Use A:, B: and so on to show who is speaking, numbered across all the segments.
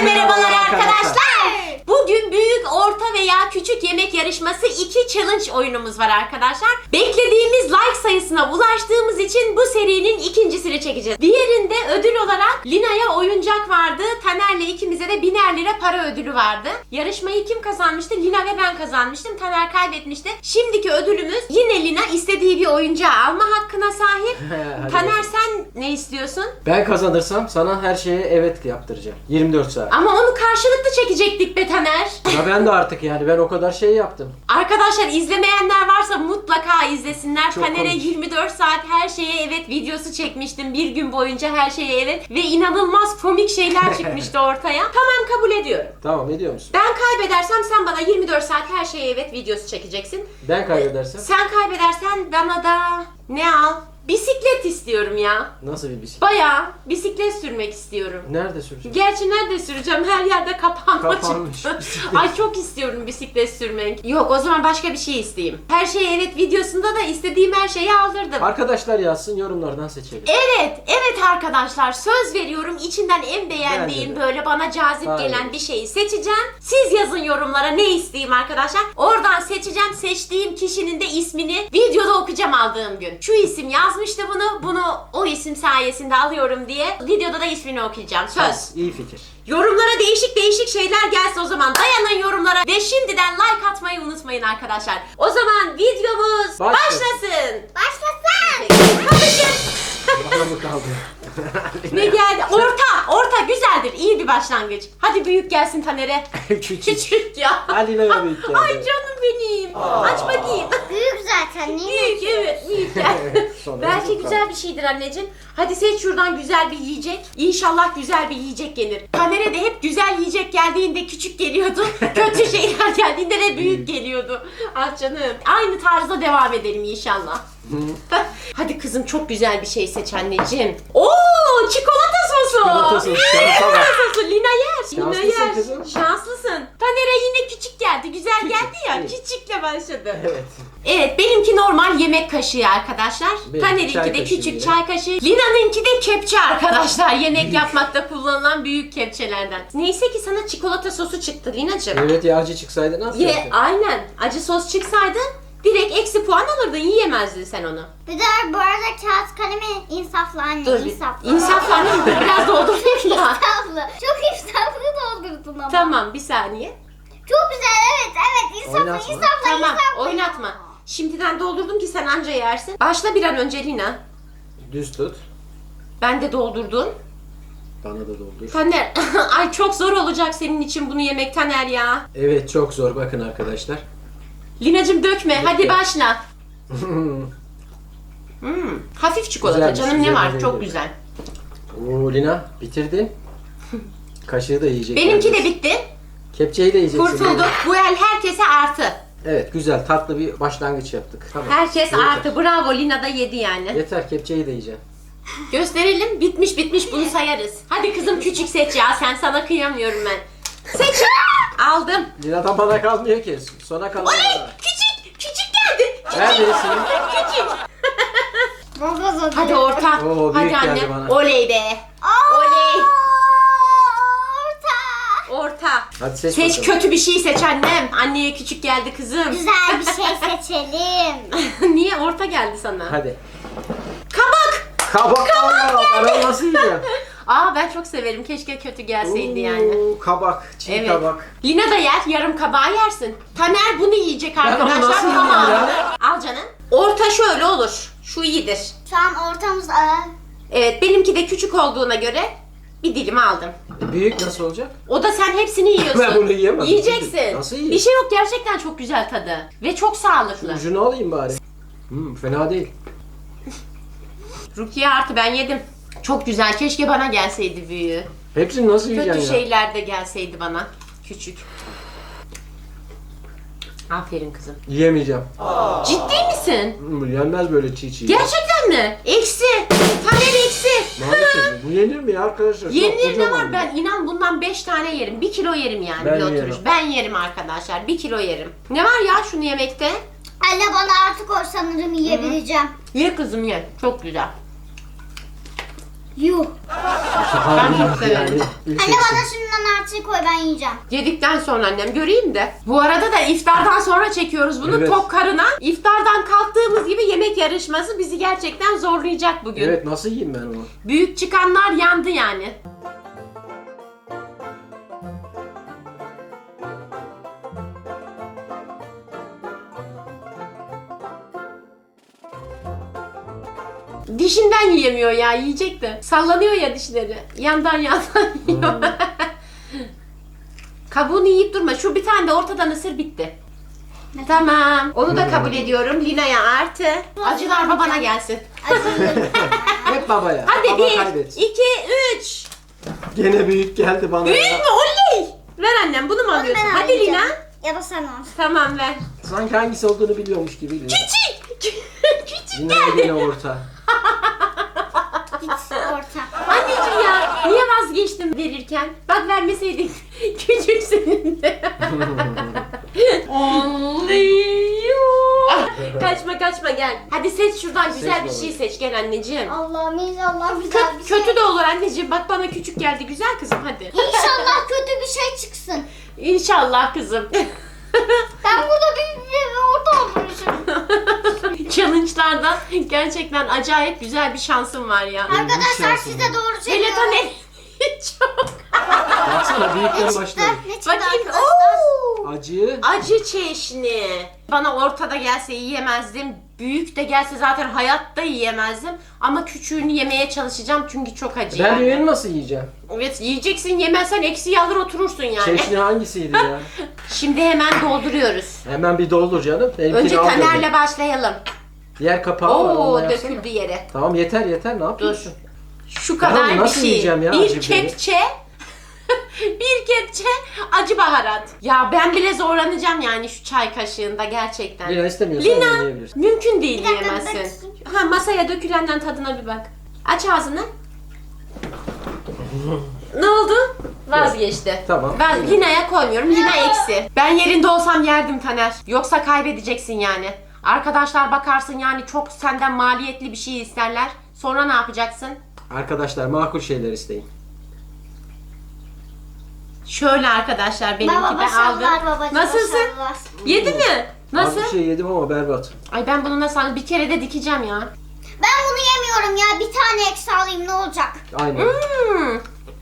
A: merhabalar arkadaşlar. Bugün büyük, orta veya küçük yemek yarışması 2 challenge oyunumuz var arkadaşlar. Beklediğimiz like sayısına ulaştığımız için bu serinin ikincisini çekeceğiz. Diğerinde ödül olarak Lina'ya oyuncak vardı. Taner'le ikimize de 1000'er lira para ödülü vardı. Yarışmayı kim kazanmıştı? Lina ve ben kazanmıştım. Taner kaybetmişti. Şimdiki ödülümüz yine Lina istediği bir oyuncağı alma hakkına sahip. Taner sen ne istiyorsun?
B: Ben kazanırsam sana her şeye evet yaptıracağım. 24 saat.
A: Ama onu karşılıklı çekecektik be Taner.
B: Ya ben de artık yani ben o kadar şey yaptım.
A: Arkadaşlar izlemeyenler varsa mutlaka izlesinler.
B: Çok
A: Taner'e
B: komik.
A: 24 saat her şeye evet videosu çekmiştim. Bir gün boyunca her şeye evet. Ve inanılmaz komik şeyler çıkmıştı ortaya. Tamam, kabul ediyorum.
B: Tamam, ediyor musun?
A: Ben kaybedersem sen bana 24 saat her şeye evet videosu çekeceksin.
B: Ben kaybedersem
A: Sen kaybedersen bana da ne al? Bisiklet istiyorum ya.
B: nasıl bir bisiklet?
A: Bayağı bisiklet sürmek istiyorum.
B: Nerede süreceğim?
A: Gerçi nerede süreceğim? Her yerde
B: Kapanmış
A: çıktı.
B: bisiklet.
A: Ay çok istiyorum bisiklet sürmek. Yok, o zaman başka bir şey isteyeyim. Her şeye evet videosunda da istediğim her şeyi aldırdım.
B: Arkadaşlar yazsın, yorumlardan seçelim.
A: Evet arkadaşlar, söz veriyorum içinden en beğendiğim
B: Bence de.
A: böyle bana cazip
B: Aynen.
A: gelen bir şeyi seçeceğim. Siz yazın yorumlara ne isteyeyim arkadaşlar. Oradan seçeceğim, seçtiğim kişinin de ismini videoda okuyacağım aldığım gün. Şu isim yazmıştı bunu o isim sayesinde alıyorum diye videoda da ismini okuyacağım. Söz.
B: İyi fikir.
A: Yorumlara değişik şeyler gelsin o zaman. Dayanın yorumlara ve şimdiden like atmayı unutmayın arkadaşlar. O zaman videomuz başlasın. Kapışın.
B: Bana mı kaldı?
A: Ne geldi? Orta güzeldir. İyi bir başlangıç. Hadi büyük gelsin Taner'e.
B: Küçük.
A: Küçük ya.
B: Hadi ne büyük geldi.
A: Ay canım benim. Aç bakayım.
C: Büyük zaten. Niye?
A: Büyük, evet, büyük gel.
B: Sonra
A: Belki
B: büyük
A: güzel
B: kaldı.
A: bir şeydir anneciğim. Hadi seç şuradan güzel bir yiyecek. İnşallah güzel bir yiyecek gelir. Taner'e de hep güzel yiyecek geldiğinde küçük geliyordu. Kötü şeyler geldiğinde de büyük geliyordu. Ah canım. Aynı tarzda devam edelim inşallah. Hadi kızım, çok güzel bir şey seç anneciğim. Oo, çikolata sosu.
B: Çikolata sosu, şansa bak.
A: sosu. Lina yer. Lina
B: Şanslısın
A: yer.
B: kızım.
A: Şanslısın. Taner'e yine küçük geldi. Güzel geldi ya.
B: iyi.
A: Küçükle başladı.
B: Evet.
A: Evet, benimki normal yemek kaşığı arkadaşlar.
B: Benimki
A: Taner'inki
B: çay
A: de
B: kaşığı
A: küçük
B: yine.
A: çay kaşığı. Lina'nınki de kepçe arkadaşlar. Yemek yapmakta kullanılan büyük kepçelerden. Neyse ki sana çikolata sosu çıktı Lina'cığım.
B: Evet ya, acı çıksaydı nasıl yapacaktın?
A: Aynen. Acı sos çıksaydı direkt eksi puan alırdın. Yiyemezdin sen onu.
C: Bir de bu arada kağıt kalemi insaflı anne.
A: Dur.
C: İnsaflı.
A: İnsaflı annem biraz doldurayım da.
C: İnsaflı. Çok insaflı doldurdun ama.
A: Tamam, bir saniye.
C: Çok güzel, evet insaflı
B: Oynatma.
C: insaflı
A: Tamam,
C: insaflı.
A: oynatma. Şimdiden doldurdum ki sen anca yersin. Başla bir an önce Lina.
B: Düz tut.
A: Ben de doldurdum.
B: Bana da doldur.
A: Taner, ay çok zor olacak senin için bunu yemek Taner ya.
B: Evet, çok zor, bakın arkadaşlar.
A: Lina'cığım dökme, hadi
B: Dökme.
A: başla. Hafif çikolata
B: Güzelmiş,
A: canım, ne
B: güzel,
A: var?
B: güzel,
A: Çok
B: güzel.
A: güzel.
B: Oo Lina, bitirdin. Kaşığı da yiyecek.
A: Benimki de
B: yalnız.
A: bitti.
B: Kepçeyi de yiyeceksin.
A: Kurtulduk. Bu el herkese artı.
B: Evet, güzel, tatlı bir başlangıç yaptık. Tamam.
A: Herkes
B: Yeter.
A: artı. Bravo, Lina da yedi yani.
B: Yeter, kepçeyi de yiyeceğim.
A: Gösterelim. Bitmiş bunu sayarız. Hadi kızım küçük seç ya. Sana kıyamıyorum ben. Seç. Aldım.
B: Lina'dan bana kalmıyor ki. Sona kalan
A: Oley!
B: bana.
A: Küçük geldi.
B: Neredesin?
A: Küçük.
C: Baba
A: Hadi orta.
B: Oo,
A: Hadi
B: büyük geldi
A: anne.
B: bana.
A: Oley be. Oley.
C: Orta.
A: Orta.
B: Hadi seç
A: Seç,
B: bakalım.
A: kötü bir şey seç annem. Anneye küçük geldi kızım.
C: Güzel bir şey seçelim.
A: Niye orta geldi sana?
B: Hadi.
A: Kabak.
B: Kabak. Ben nasıl yiyeceğim?
A: Aa, ben çok severim. Keşke kötü gelseydi yani.
B: Oo, kabak. Çiğ
A: Evet.
B: kabak.
A: Lina da yer. Yarım kabağı yersin. Taner bunu yiyecek
B: onu
A: arkadaşlar.
B: nasıl yiyeyim
A: Tamam.
B: ya?
A: Al canım. Orta şöyle olur. Şu iyidir.
C: Şu an ortamız
A: Evet, benimki de küçük olduğuna göre bir dilim aldım.
B: Büyük nasıl olacak?
A: O da sen hepsini yiyorsun.
B: Ben bunu yiyemem.
A: Yiyeceksin.
B: Nasıl yiyeyim?
A: Bir şey yok, gerçekten çok güzel tadı. Ve çok sağlıklı.
B: Ucunu alayım bari. Fena değil.
A: Rukiye artı, ben yedim. Çok güzel. Keşke bana gelseydi büyüğü.
B: Hepsini nasıl
A: Kötü
B: yiyeceksin ya?
A: şeyler de gelseydi bana. Küçük. Aferin kızım.
B: Yiyemeyeceğim.
A: Ciddi misin?
B: Yenmez böyle çiğ çiğ.
A: Gerçekten mi? Eksi. Taner eksi.
B: Maalesef. Bu yenir mi ya arkadaşlar? Çok
A: Yenir ne
B: kocaman
A: var?
B: bu.
A: Ben inan bundan 5 tane yerim. 1 kilo yerim yani
B: Ben
A: bir oturuş.
B: yerim.
A: Ben yerim arkadaşlar. 1 kilo yerim. Ne var ya şunu yemekte?
C: Anne bana artık o sanırım yiyebileceğim.
A: Ye kızım ye. Çok güzel.
C: Yuh.
A: Ben çok severim.
C: Anne bana şundan artığı koy ben yiyeceğim.
A: Yedikten sonra annem göreyim de. Bu arada da iftardan sonra çekiyoruz bunu
B: Evet.
A: tok karına. İftardan kalktığımız gibi yemek yarışması bizi gerçekten zorlayacak bugün.
B: Evet, nasıl yiyeyim ben onu?
A: Büyük çıkanlar yandı yani. Dişinden yiyemiyor ya, yiyecek de. Sallanıyor ya dişleri. Yandan yiyor. Kabuğunu yiyip durma. Şu bir tane de ortadan ısır, bitti. Tamam. Onu da kabul ediyorum. Lina'ya artı. Acılar babana gelsin.
B: Hep babaya.
A: Hadi
B: Baba
A: 1,
B: kaybetsin.
A: 2, 3.
B: Gene büyük geldi bana
A: Büyük
B: ya.
A: mü? Oley! Ver annem, bunu mu alıyorsun?
C: Ben
A: Hadi Lina.
C: alacağım. Ya da sen al.
A: Tamam, ver.
B: Sanki hangisi olduğunu biliyormuş gibi.
A: Küçük! Küçük
B: Lina'ya
A: geldi.
B: gene orta.
C: Git orta.
A: Anneciğim ya, niye vazgeçtin verirken? Bak vermeseydin küçük senin de. Kaçma gel. Hadi seç şuradan güzel
B: Seç
A: bir
B: baba.
A: şey seç gel anneciğim.
C: Allah'ım inşallah güzel bir şey.
A: Kötü de olur anneciğim. Bak bana küçük geldi, güzel kızım hadi.
C: İnşallah kötü bir şey çıksın.
A: İnşallah kızım.
C: Ben burada bir orta olmuşum.
A: Challenge'larda gerçekten acayip güzel bir şansım var ya.
C: Arkadaşlar
B: şansım
C: size
B: var.
C: doğru
A: Hele
C: söylüyorum.
A: Taner çok.
B: Baksana büyükten başladı.
C: Ne çıktı
A: Bakayım.
C: arkadaşlar?
A: Oo!
B: Acı.
A: Acı çeşni. Bana ortada gelse yiyemezdim. Büyük de gelse zaten hayatta yiyemezdim. Ama küçüğünü yemeye çalışacağım çünkü çok acı
B: Ben
A: yani.
B: büyüğünü nasıl yiyeceğim?
A: Evet, yiyeceksin, yemezsen eksiği alır oturursun yani.
B: Çeşni hangisiydi ya?
A: Şimdi hemen dolduruyoruz.
B: Hemen bir doldur canım. Benimkini
A: Önce
B: al dedim.
A: Taner'le başlayalım.
B: Diğer kapağı var.
A: Oo,
B: onunla yapsana.
A: döküldü yere.
B: Tamam yeter ne
A: Dur.
B: yapıyorsun?
A: Şu kadar
B: bunu
A: bir
B: nasıl
A: şey.
B: yiyeceğim ya,
A: Bir
B: acı biberi?
A: kepçe bir kepçe acı baharat. Ya ben bile zorlanacağım yani şu çay kaşığında gerçekten.
B: Lina istemiyorsan
A: Lina,
B: yiyebilirsin.
A: mümkün değil
C: Bir dakika,
A: yiyemezsin.
C: bakayım.
A: Ha, masaya dökülenden tadına bir bak. Aç ağzını. Ne oldu? Vazgeçti.
B: Tamam.
A: Ben Lina'ya koymuyorum. Lina eksi. Ben yerinde olsam yerdim Taner. Yoksa kaybedeceksin yani. Arkadaşlar bakarsın yani çok senden maliyetli bir şey isterler. Sonra ne yapacaksın?
B: Arkadaşlar makul şeyler isteyin.
A: Şöyle arkadaşlar benimki
C: Baba
A: de
C: başarılar
A: aldım.
C: babacığım.
A: Nasılsın?
C: başarılar.
A: Yedi mi?
B: Az
A: Nasıl?
B: bir şey yedim ama berbat.
A: Ay ben bunu nasıl bir kere de dikeceğim ya.
C: Ben bunu yemiyorum ya. Bir tane eksi alayım ne olacak?
B: Aynen.
A: Hmm,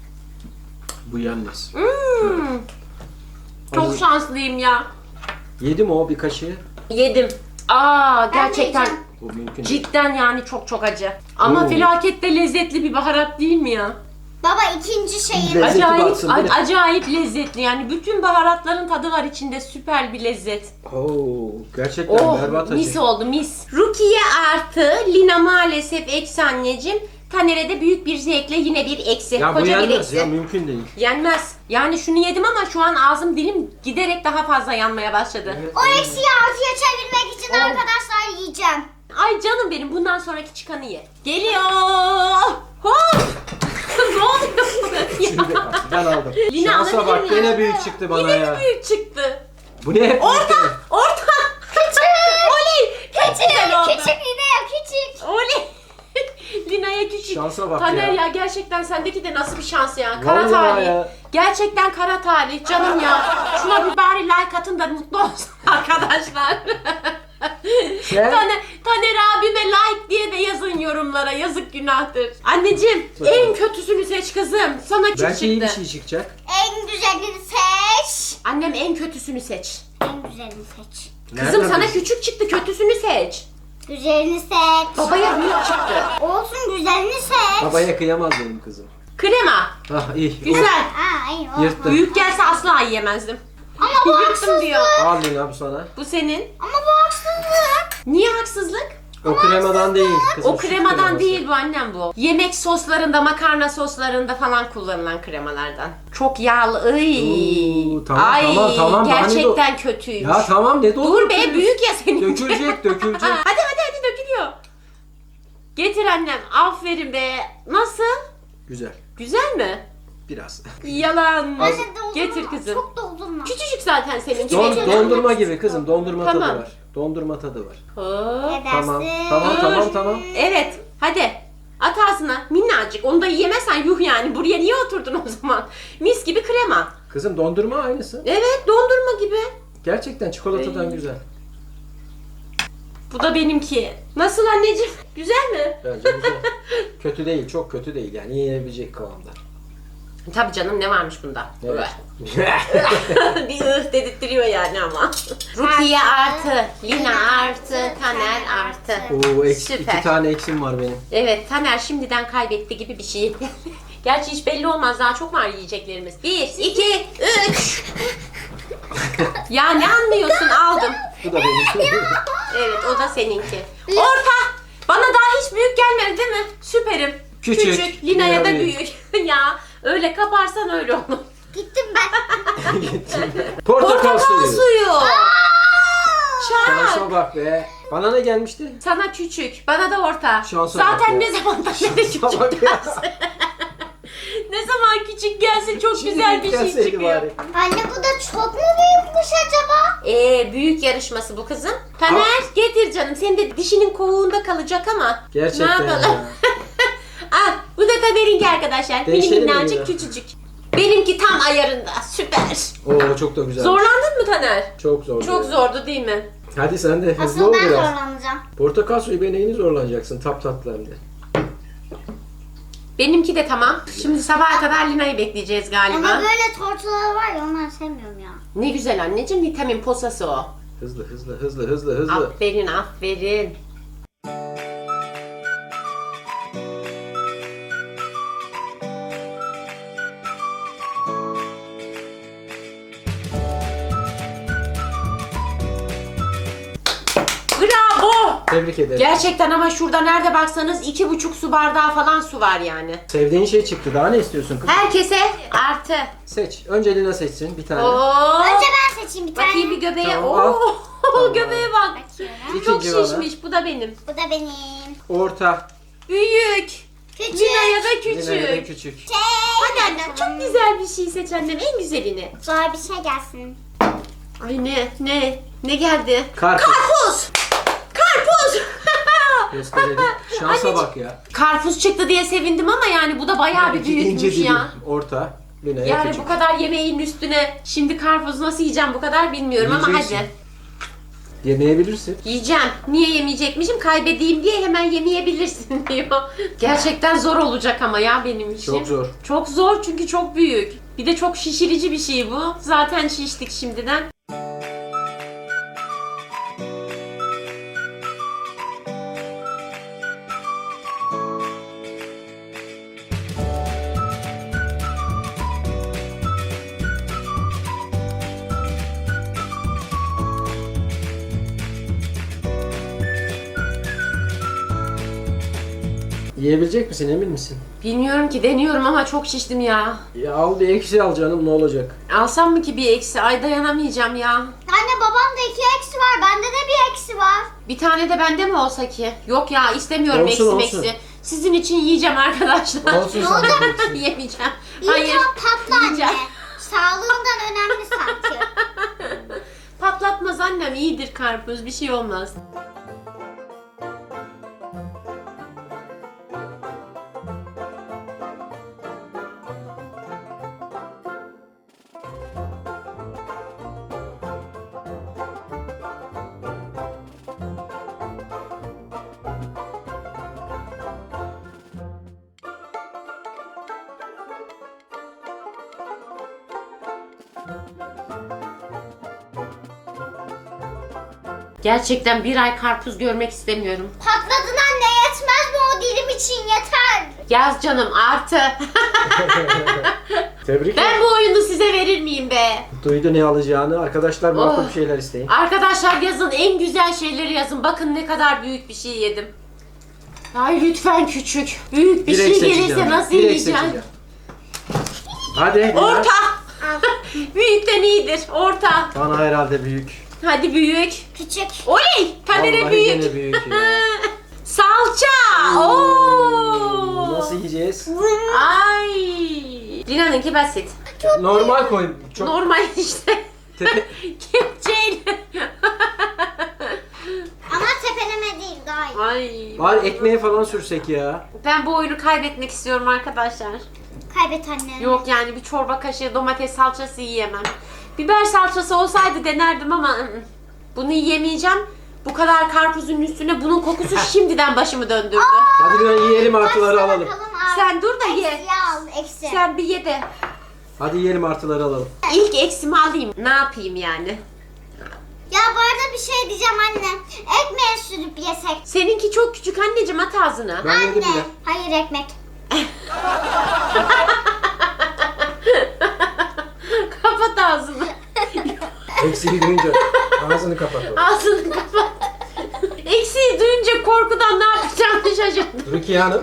B: Bu yenmez.
A: hmm. Çok
B: Acı-
A: şanslıyım ya.
B: Yedim o bir kaşığı.
A: Yedim. Aa
C: Ben de
A: gerçekten
C: yiyeceğim.
B: Bu mümkün değil.
A: cidden yani çok acı. Ama
B: Oo.
A: felakette lezzetli bir baharat değil mi ya?
C: Baba ikinci şeyim.
B: Lezzeti
A: Acayip
B: baksın, bu ne?
A: acayip lezzetli yani bütün baharatların tadı var içinde, süper bir lezzet.
B: Oo, gerçekten
A: Oh
B: berbat
A: mis
B: acı.
A: oldu mis. Rukiye artı, Lina maalesef eksi anneciğim. Taner'e de büyük bir zevkle yine bir eksi.
B: Ya bu
A: Koca bir
B: yenmez
A: eksi.
B: ya, mümkün değil.
A: Yenmez. Yani şunu yedim ama şu an ağzım dilim giderek daha fazla yanmaya başladı.
C: O eksiği artıya çevirmek için arkadaşlar yiyeceğim.
A: Ay canım benim, bundan sonraki çıkanı ye. Geliyor. Hop. Ne oluyor?
B: Şimdi ben aldım.
A: Lina
B: Şansa
A: alabilir
B: bak
A: miyim?
B: gene büyük çıktı bana
A: Yine
B: ya.
A: mi büyük çıktı?
B: Bu ne hep
A: Orta.
B: büyük?
A: Orta. Oley. Çok güzel oldu.
C: Küçük yine ya küçük.
A: Oley. Lina'ya küçük.
B: Şansa bak
A: Taner
B: ya.
A: ya gerçekten sendeki de nasıl bir şans ya. Kara
B: Vallahi
A: talih.
B: ya.
A: Gerçekten kara talih canım ya. Şuna bir bari like atın da mutlu olsun arkadaşlar.
B: Sen?
A: Taner abime like diye de yazın yorumlara. Yazık, günahtır. Anneciğim en kötüsünü seç kızım. Sana küçük
B: Belki iyi bir
A: çıktı.
B: şey çıkacak.
C: En güzelini seç.
A: Annem en kötüsünü seç.
C: En güzelini seç.
A: Kızım
B: Nereden
A: sana
B: bilsin?
A: küçük çıktı, kötüsünü seç.
C: Güzelini seç.
A: Babaya büyük çıktı.
C: Olsun güzelini seç.
B: Babaya kıyamaz benim kızım.
A: Krema.
B: Ah iyi.
A: Güzel.
C: Aa iyi olsun.
B: Yırttım.
A: Büyük gelse asla yiyemezdim.
C: Ama bu
A: Yırttım
C: haksızlık.
A: diyor.
B: Al Lina bu sana.
A: Bu senin.
C: Ama bu haksızlık.
A: Niye haksızlık?
B: O kremadan değil kızım.
A: O
B: süt
A: kremadan
B: kreması.
A: değil bu annem bu. Yemek soslarında, makarna soslarında falan kullanılan kremalardan. Çok yağlı. Iy.
B: Oo, tamam,
A: Ay,
B: tamam, daha ne
A: gerçekten kötüymüş.
B: Ya tamam ne
A: Dur
B: doldur.
A: be, büyük ya senin.
B: Dökülecek dökülecek.
A: Hadi dökülüyor. Getir annem. Aferin be. Nasıl?
B: Güzel.
A: Güzel mi?
B: Biraz.
A: Yalan.
C: Anne doldurma.
A: Getir kızım.
C: Çok doldurma.
A: Küçücük zaten senin.
B: Dondurma gibi kızım. Dondurma
A: Tamam.
B: tadı var. Dondurma tadı var.
A: Hop.
C: Ne
B: Tamam.
C: dersin?
B: Tamam
A: Dur.
B: tamam tamam.
A: Evet. Hadi. At ağzına. Minnacık. Onu da yiyemezsen yuh yani. Buraya niye oturdun o zaman? Mis gibi krema.
B: Kızım dondurma aynısı.
A: Evet, dondurma gibi.
B: Gerçekten çikolatadan
A: Ey.
B: güzel.
A: Bu da benimki. Nasıl anneciğim? Güzel mi?
B: Bence güzel. Kötü değil, çok kötü değil yani yiyebilecek kıvamda.
A: Tabii canım, ne varmış bunda?
B: Evet.
A: Bir dedirttiriyor yani ama. Rukiye artı, Lina artı, Taner artı.
B: Oo,
A: Süper.
B: 2 tane eksim var benim.
A: Evet, Taner şimdiden kaybetti gibi bir şey. Gerçi hiç belli olmaz, daha çok var yiyeceklerimiz. 1, 2, 3. Ya ne anlıyorsun? Aldım.
B: Bu da benim.
A: Evet, o da seninki. Orta. Bana daha hiç büyük gelmedi değil mi? Süperim.
B: Küçük.
A: Lina'ya da
B: Lina
A: büyük. Ya öyle kaparsan öyle olur.
C: Gittim ben.
B: Portakal suyu.
A: Çak.
B: Şansa bak be. Bana ne gelmişti?
A: Sana küçük, bana da orta.
B: Şansa
A: Zaten
B: bak ya.
A: ne zamandan beri küçük
B: Şansa bak ya.
A: gelsin. Ne zaman küçük gelsin çok güzel bir şey
B: Gelseydi
A: çıkıyor.
B: bari.
C: Anne bu da çok mu büyükmüş acaba?
A: Büyük yarışması bu kızım. Taner getir canım. Senin de dişinin kovuğunda kalacak ama.
B: Gerçekten
A: Ne yapalım?
B: ya.
A: Ah, bu da Taner'inki arkadaşlar.
B: Değişelim mi
A: Minnacık
B: ya?
A: küçücük. Benimki tam ayarında. Süper.
B: Oo çok da güzel.
A: Zorlandın mı Taner?
B: Çok zor.
A: Çok zordu değil mi?
B: Hadi sen de hızlı
C: Asıl
B: ol
C: ben
B: biraz.
C: zorlanacağım.
B: Portakal suyu be neyini zorlanacaksın tap tatlı hem de.
A: Benimki de tamam. Şimdi sabaha kadar Lina'yı bekleyeceğiz galiba.
C: Ama böyle tortular var ya onları sevmiyorum ya.
A: Ne güzel anneciğim. Vitamin posası o.
B: Hızlı.
A: Aferin aferin. Bravo.
B: Tebrik ederim.
A: Gerçekten ama şurada nerede baksanız 2,5 su bardağı falan su var yani.
B: Sevdiğin şey çıktı. Daha ne istiyorsun kız?
A: Herkese artı.
B: Seç. Önce Lina seçsin bir tane.
A: Oo.
C: Önce ben seçeyim bir tane.
A: Bakayım bir göbeğe.
B: Tamam,
A: Oo.
B: al. Tamam.
A: Göbeğe bak.
C: Bakıyorum.
A: Çok
B: İkinci bana.
A: şişmiş. Bu da benim.
C: Bu da benim.
B: Orta.
A: Büyük.
C: Küçük.
A: Lina'ya da küçük.
B: Lina'ya da küçük.
A: Hadi annem çok güzel bir şey seç annem. En güzelini.
C: Zor bir şey gelsin.
A: Ay ne geldi?
B: Karpuz.
A: Karpuz. Karpuz.
B: Gösterelim. Şansa
A: Anneciğim.
B: bak ya.
A: Karpuz çıktı diye sevindim ama yani bu da bayağı bir
B: İki ince
A: büyükmüş
B: dilim.
A: ya.
B: Orta. Lina'ya
A: Yani
B: küçük.
A: bu kadar yemeğin üstüne şimdi karpuz nasıl yiyeceğim bu kadar bilmiyorum ama
B: Yiyeceksin.
A: hadi.
B: Yemeyebilirsin.
A: Yiyeceğim. Niye yemeyecekmişim? Kaybedeyim diye hemen yemeyebilirsin diyor. Gerçekten zor olacak ama ya benim için.
B: Çok zor.
A: Çok zor çünkü çok büyük. Bir de çok şişirici bir şey bu. Zaten şiştik şimdiden.
B: Yiyebilecek misin emin misin?
A: Bilmiyorum ki, deniyorum ama çok şiştim ya.
B: Ya al bir eksi al canım ne olacak?
A: Alsam mı ki bir eksi? Ay dayanamayacağım ya.
C: Anne babamda 2 eksi var. Bende de bir eksi var.
A: Bir tane de bende mi olsa ki? Yok ya, istemiyorum
B: Olsun,
A: eksi
B: olsun.
A: meksi. Sizin için yiyeceğim arkadaşlar.
B: Olsun sen de yiyeceksin.
A: Yemeyeceğim.
C: İyi
A: Hayır.
C: tam patla anne.
A: yiyeceğim.
C: Sağlığından önemli sanki.
A: Patlatmaz annem, iyidir karpuz, bir şey olmaz. Gerçekten bir ay karpuz görmek istemiyorum.
C: Patladın anne, yetmez mi o dilim için, yeter.
A: Yaz canım artı.
B: Tebrik
A: Ben
B: ederim.
A: bu oyunu size verir miyim be?
B: Duydu ne alacağını. Arkadaşlar makul
A: Oh.
B: bir şeyler isteyin.
A: Arkadaşlar yazın, en güzel şeyleri yazın. Bakın ne kadar büyük bir şey yedim. Ay lütfen küçük. Büyük bir
B: Direkt
A: şey gelirse
B: seçeceğim.
A: nasıl
B: Direkt
A: yiyeceğim?
B: seçeceğim. Hadi. Lina.
A: Orta. Büyükten iyidir. Orta.
B: Bana herhalde büyük.
A: Hadi büyük.
C: Küçük.
A: Oley! Taner'e
B: Vallahi
A: büyük.
B: gene büyük ya.
A: Salça. Oo.
B: Nasıl yiyeceğiz?
A: Ay. Lina'nınki basit.
B: Normal koy. Çok
A: Normal işte.
B: tepe.
A: Kepçeyle.
C: Ama tepeleme değil, daha iyi.
A: Ay.
B: Bari ekmeğe falan sürsek ya.
A: Ben bu oyunu kaybetmek istiyorum arkadaşlar.
C: Kaybet anne.
A: Yok yani bir çorba kaşığı domates salçası yiyemem. Biber salçası olsaydı denerdim ama bunu yiyemeyeceğim. Bu kadar karpuzun üstüne bunun kokusu şimdiden başımı döndürdü.
B: Hadi bir yiyelim artıları alalım.
A: Sen dur da ye.
C: Eksi al eksi.
A: Sen bir ye de.
B: Hadi yiyelim artıları alalım.
A: İlk eksimi alayım. Ne yapayım yani?
C: Ya bu arada bir şey diyeceğim anne. Ekmeğe sürüp yesek.
A: Seninki çok küçük anneciğim, at ağzına.
B: Ben yedim
C: Anne.
B: bile.
C: Hayır ekmek.
A: Kapat ağzını.
B: Eksiği duyunca ağzını kapat.
A: Ağzını kapat. Eksiği duyunca korkudan ne yapacağımı şaşırdım.
B: Rukiye Hanım.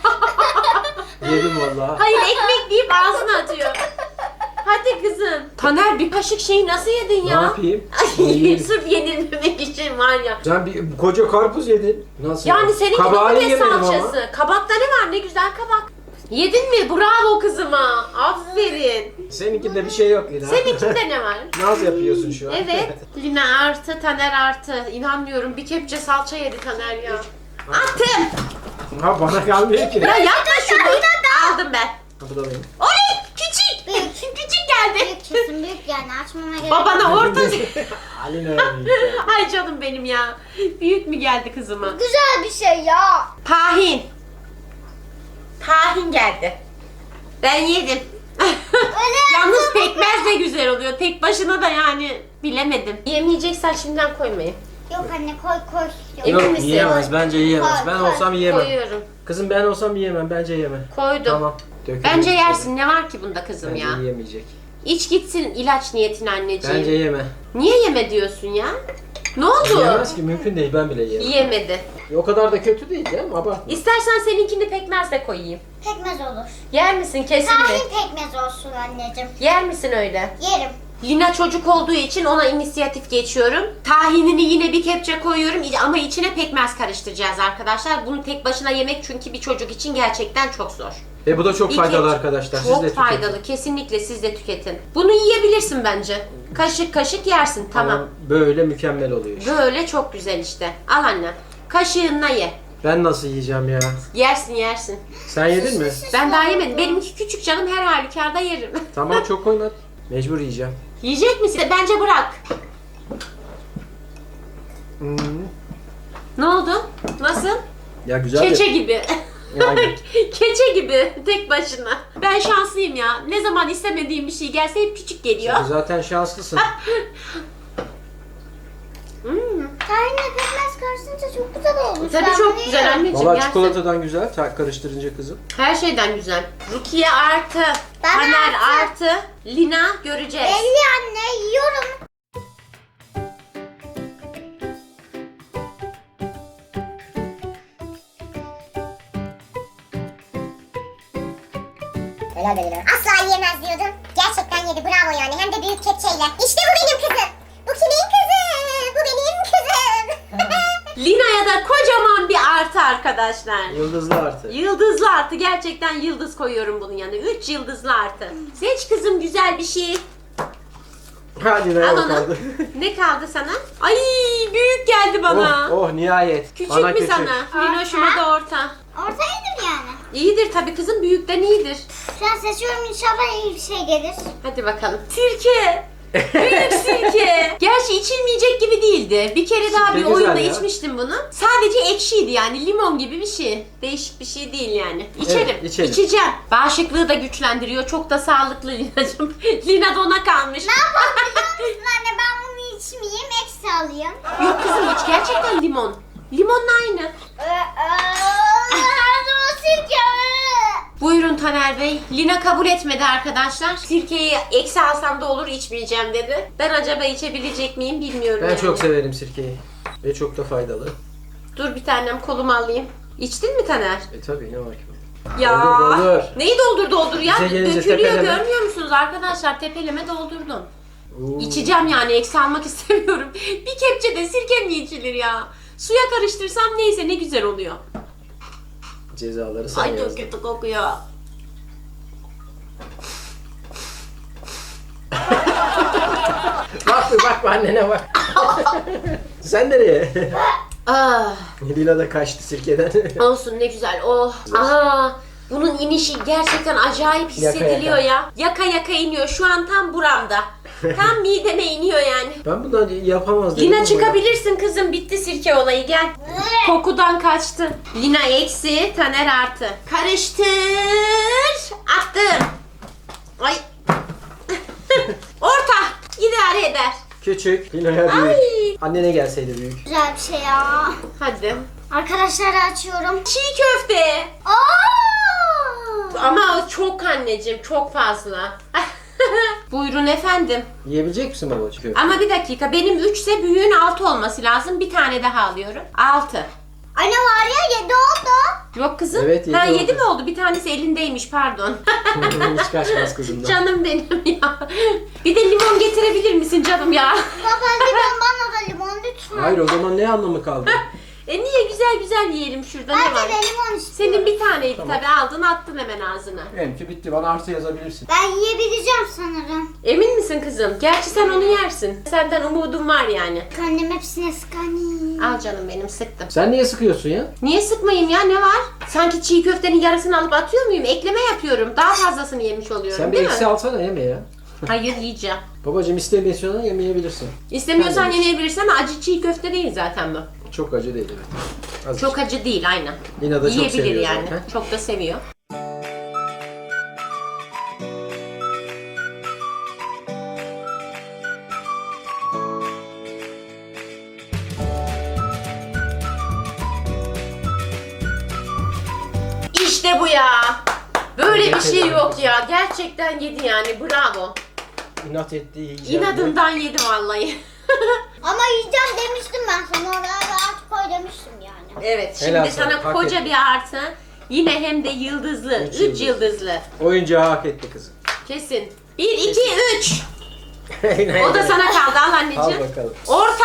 B: Yedim vallahi.
A: Hayır, ekmek deyip ağzına atıyor. Hadi kızım. Taner, bir kaşık şeyi nasıl yedin
B: Ne
A: ya?
B: yapayım?
A: Ay, sırf yenilmemek için var ya.
B: Sen bir koca karpuz yedin. Nasıl?
A: Yani seninki
B: Kabağını
A: domates
B: yemedim
A: salçası. Kabakta ne var? Ne güzel kabak. Yedin mi? Bravo kızıma. Aferin.
B: ama. Seninkinde bir şey yok Lina.
A: Seninkinde ne var?
B: Naz yapıyorsun şu an.
A: Evet. Lina artı, Taner artı. İnanmıyorum. Bir kepçe salça yedi Taner ya. Attım.
B: Ha bana kalmıyor ki.
A: Ya yapma şunu. Aldım ben.
B: Ha, bu da benim.
A: Oley! Küçük.
C: Büyük.
A: Küçük geldi.
C: Büyük kesin büyük yani açmama gerek.
A: Babana orta.
B: Alina.
A: Ay canım benim ya. Büyük mü geldi kızıma?
C: Güzel bir şey ya.
A: Tahin. Tahin geldi. Ben yedim. Yalnız pekmez de güzel oluyor. Tek başına da yani bilemedim. Yemeyeceksen şimdiden koymayın.
C: Yok anne koy.
A: Emin
B: Yok
A: misin?
B: yiyemez. Bence yiyemez.
C: Koy,
B: Ben
C: koy.
B: olsam yiyemem.
A: Koyuyorum.
B: Kızım ben olsam yiyemem. Bence yeme.
A: Koydum.
B: Tamam. Dökülür
A: Bence
B: işte.
A: yersin. Ne var ki bunda kızım
B: Bence
A: ya?
B: yiyemeyecek.
A: İç gitsin ilaç niyetine anneciğim.
B: Bence yeme.
A: Niye yeme diyorsun ya? Ne oldu?
B: Yiyemez ki, mümkün değil, ben bile yiyemem.
A: Yiyemedi.
B: O kadar da kötü değil canım, abartma.
A: İstersen seninkini pekmezle koyayım.
C: Pekmez olur.
A: Yer misin kesin mi?
C: Tahin pekmez olsun anneciğim.
A: Yer misin öyle?
C: Yerim.
A: Lina çocuk olduğu için ona inisiyatif geçiyorum. Tahinini yine bir kepçe koyuyorum ama içine pekmez karıştıracağız arkadaşlar. Bunu tek başına yemek çünkü bir çocuk için gerçekten çok zor.
B: Ve bu da çok
A: Bir
B: faydalı
A: kepçe-
B: arkadaşlar. Siz
A: Çok
B: de tüketin.
A: faydalı. Kesinlikle siz de tüketin. Bunu yiyebilirsin bence. Kaşık kaşık yersin. Tamam.
B: Böyle mükemmel oluyor işte.
A: Böyle çok güzel işte. Al anne. Kaşığınla ye.
B: Ben nasıl yiyeceğim ya?
A: Yersin.
B: Sen yedin mi?
A: Ben daha yemedim. Benimki küçük canım, her halükarda yerim.
B: Tamam, çok koyma. Mecbur yiyeceğim.
A: Yiyecek misin? Bence bırak.
B: Hmm.
A: Ne oldu? Nasıl?
B: Ya güzel
A: Keçe
B: de-
A: gibi.
B: Yani.
A: Keçe gibi tek başına. Ben şanslıyım ya. Ne zaman istemediğim bir şey gelse hep küçük geliyor.
B: Sen zaten şanslısın.
C: Tahinle pekmez karışınca çok güzel olmuş.
A: Tabii
C: Ben
A: çok
C: bunu
A: güzel
C: yerim.
A: anneciğim.
B: Valla
A: yersin.
B: çikolatadan güzel, karıştırınca kızım.
A: Her şeyden güzel. Rukiye artı,
C: Ben
A: Taner
C: artı.
A: artı, Lina göreceğiz.
C: Belli anne yiyorum.
D: Helal be Lina. Asla yiyemez diyordum. Gerçekten yedi, bravo yani. Hem de büyük kepçeyle. İşte bu benim kızım. Bu kimin kızı? Bu benim kızım.
A: Lina'ya da kocaman bir artı arkadaşlar.
B: Yıldızlı artı.
A: Yıldızlı artı, gerçekten yıldız koyuyorum bunun yanına. 3 yıldızlı artı. Seç kızım güzel bir şey.
B: Hadi ne
A: Al
B: o
A: onu.
B: kaldı.
A: Ne kaldı sana? Ay büyük geldi bana.
B: Oh nihayet.
A: Küçük
B: Bana
A: mü
B: küçük.
A: sana? Linoş'uma da orta.
C: Orta yedim yani.
A: İyidir tabii kızım, büyükten iyidir.
C: Şu an seçiyorum, inşallah iyi bir şey gelir.
A: Hadi bakalım. Sirke. Büyük sirke. Gerçi içilmeyecek gibi değildi. Bir kere daha
B: Sirke
A: bir
B: güzel
A: oyunda
B: ya.
A: içmiştim bunu. Sadece ekşiydi yani, limon gibi bir şey. Değişik bir şey değil yani. İçerim.
B: Evet, içelim.
A: İçeceğim. Bağışıklığı da güçlendiriyor. Çok da sağlıklı Lina'cığım. Lina da ona kalmış.
C: Ne yapalım biliyor musun anne? Ben bunu içmeyeyim, eksi alayım.
A: Yok kızım, hiç gerçekten limon. Limonla aynı.
C: Nerede o sirke?
A: Buyurun Taner Bey. Lina kabul etmedi arkadaşlar. Sirkeyi eksi alsam da olur, içmeyeceğim dedi. Ben acaba içebilecek miyim bilmiyorum.
B: Ben
A: yani.
B: çok severim sirkeyi. Ve çok da faydalı.
A: Dur bir tanem, kolumu alayım. İçtin mi Taner?
B: Tabii, ne var ki?
A: Ya.
B: Doldur.
A: Neyi doldur ya?
B: Bize gelince
A: Dökülüyor,
B: tepeleme.
A: görmüyor musunuz arkadaşlar? Tepeleme doldurdum.
B: Oo.
A: İçeceğim yani, eksi almak istemiyorum. Bir kepçe de sirke mi içilir ya? Suya karıştırsam neyse, ne güzel oluyor.
B: Cezaları sen
A: Ay çok
B: yazdın.
A: kötü kokuyor.
B: Bak annene bak. Sen nereye?
A: Ah,
B: Lina da kaçtı sirkeden.
A: olsun ne güzel. Oh. Aa, bunun inişi gerçekten acayip hissediliyor
B: yaka.
A: ya. Yaka yaka iniyor. Şu an tam buramda. Tam mideme iniyor yani.
B: Ben bundan yapamaz dedim.
A: Lina
B: ama-
A: çıkabilirsin kızım. Bitti sirke olayı. Gel. Kokudan kaçtı. Lina eksi, Taner artı. Karıştır. Attım. Ay. Orta. İdare eder.
B: Küçük. Lina'ya büyük.
A: Ay.
B: Annene gelseydi büyük.
C: Güzel bir şey ya.
A: Hadi.
C: Arkadaşlar açıyorum.
A: Çiğ köfte.
C: Aa!
A: Ama çok anneciğim. Çok fazla. Buyurun efendim.
B: Yiyebilecek misin babacığım?
A: Ama bir dakika. Benim 3 ise büyüğün 6 olması lazım. Bir tane daha alıyorum. 6.
C: Anne var ya 7 oldu.
A: Yok kızım.
B: Evet, yedi
A: ha,
B: oldu.
A: 7 mi oldu? Bir tanesi elindeymiş pardon.
B: Hiç kaçmaz kızımdan.
A: Canım benim ya. Bir de limon getirebilir misin canım ya?
C: Baba limon bana da limon lütfen.
B: Hayır, o zaman ne anlamı kaldı?
A: Niye güzel güzel yiyelim şurada ne var?
C: Bence de limon istiyorum.
A: Senin bir taneydi
B: Tamam.
A: tabii aldın attın hemen ağzına.
B: Benimki bitti. Bana artı yazabilirsin.
C: Ben yiyebileceğim sanırım.
A: Emin misin kızım? Gerçi sen onu yersin. Senden umudum var yani.
C: Annem hepsine sıkanıyor.
A: Al canım benim sıktım.
B: Sen niye sıkıyorsun ya?
A: Niye sıkmayayım ya ne var? Sanki çiğ köftenin yarısını alıp atıyor muyum? Ekleme yapıyorum. Daha fazlasını yemiş oluyorum
B: Sen bir
A: değil
B: eksi
A: mi?
B: alsana, yeme ya.
A: Hayır yiyeceğim.
B: Babacığım istemiyorsan yemeyebilirsin.
A: İstemiyorsan
B: Ben de-
A: yemeyebilirsin ama acı çiğ köfte değil zaten bu.
B: Çok acı değil, evet. Azıcık.
A: Çok acı değil aynen.
B: Lina da çok
A: Yiyebilir
B: seviyor
A: yani.
B: zaten.
A: Çok da seviyor. İşte bu ya. Böyle bir şey yok ya. Gerçekten yedi yani. Bravo.
B: İnat etti, yiyeceğim.
A: İnadından yedi vallahi.
C: Ama yiyeceğim demiştim ben sana. Oraya rahat koy demiştim yani.
A: Evet. Şimdi
B: Helal
A: sana
B: sana, hak
A: koca
B: ettin.
A: bir artı. Yine hem de yıldızlı.
B: Üç
A: 3
B: yıldız.
A: yıldızlı.
B: Oyuncağı hak etti kızım.
A: Kesin. 1, 2, 3. O da
B: sana.
A: sana kaldı. Al
B: Al
A: anneciğim.
B: bakalım.
A: Orta.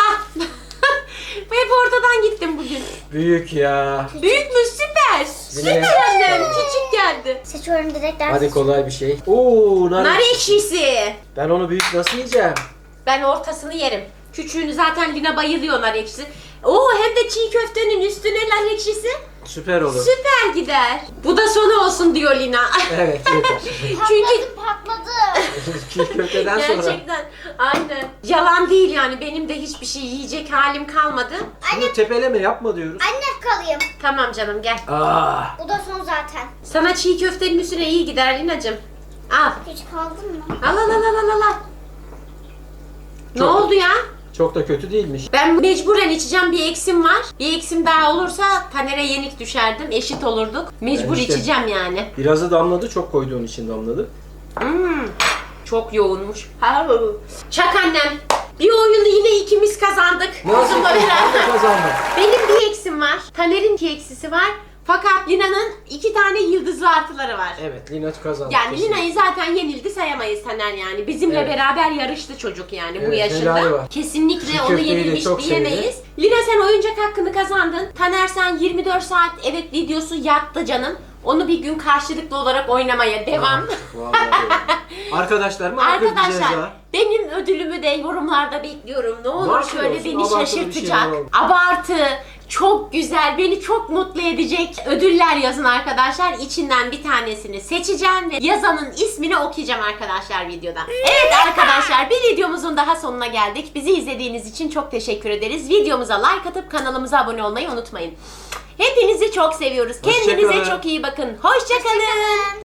A: Hep ortadan gittim bugün.
B: Büyük ya.
A: Büyük mü? Süper. Süper annem. Küçük geldi.
C: Seçiyorum direkt ders.
B: Hadi kolay bir şey. Oo,
A: Nar ekşisi.
B: Ben onu büyük nasıl yiyeceğim?
A: Ben ortasını yerim. Küçüğünü zaten Lina bayılıyor nar ekşisi. Oo hem de çiğ köftenin üstüne nar ekşisi.
B: Süper olur.
A: Süper gider. Bu da sonu olsun diyor Lina.
B: Evet, yeter.
A: Çünkü
C: Patladı.
B: Çiğ köfteden sonra.
A: gerçekten aynen. Yalan değil yani benim de hiçbir şey yiyecek halim kalmadı.
B: Şunu tepeleme yapma diyoruz.
C: Anne kalayım.
A: Tamam canım gel.
B: Aa,
C: Bu da son zaten.
A: Sana çiğ köftenin üstüne iyi gider Lina'cığım. Al.
C: Hiç kaldın mı?
A: Al al al al al al. Ne
B: Çok-
A: oldu ya?
B: çok da kötü değilmiş.
A: Ben mecburen içeceğim bir eksim var. Bir eksim daha olursa Taner'e yenik düşerdim. Eşit olurduk. Mecbur
B: Ben işte-
A: içeceğim yani.
B: Birazı damladı, çok koyduğun için damladı.
A: Çok yoğunmuş. Çak annem. Bir oyunu yine ikimiz kazandık.
B: Nasıl
A: Kızımla beraber.
B: kazandın?
A: Benim bir eksim var. Taner'in iki eksisi var. Fakat Lina'nın 2 tane yıldızlı artıları var.
B: Evet, Lina kazandı.
A: Yani
B: kesin.
A: Lina'yı zaten yenildi sayamayız Taner yani. Bizimle
B: Evet.
A: beraber yarıştı çocuk yani bu
B: Evet,
A: yaşında.
B: helali var.
A: Kesinlikle
B: Çiğ
A: onu
B: köfteyi de
A: yenilmiş
B: çok
A: diyemeyiz. Lina sen oyuncak hakkını kazandın. Taner sen 24 saat evet videosu yattı canım. Onu bir gün karşılıklı olarak oynamaya devam.
B: Vallahi Arkadaşlar mı? Hak edeceğiz
A: Arkadaşlar
B: ha.
A: benim ödülümü de yorumlarda bekliyorum. Ne olur
B: Nasıl
A: şöyle
B: olsun?
A: beni
B: Abartılı bir
A: şaşırtacak.
B: şeyler oldu.
A: Abartı, çok güzel, beni çok mutlu edecek ödüller yazın arkadaşlar. İçinden bir tanesini seçeceğim ve yazanın ismini okuyacağım arkadaşlar videoda. Evet arkadaşlar bir videomuzun daha sonuna geldik. Bizi izlediğiniz için çok teşekkür ederiz. Videomuza like atıp kanalımıza abone olmayı unutmayın. Hepinizi çok seviyoruz. Kendinize
B: Hoşça kalın.
A: çok iyi bakın. Hoşça kalın.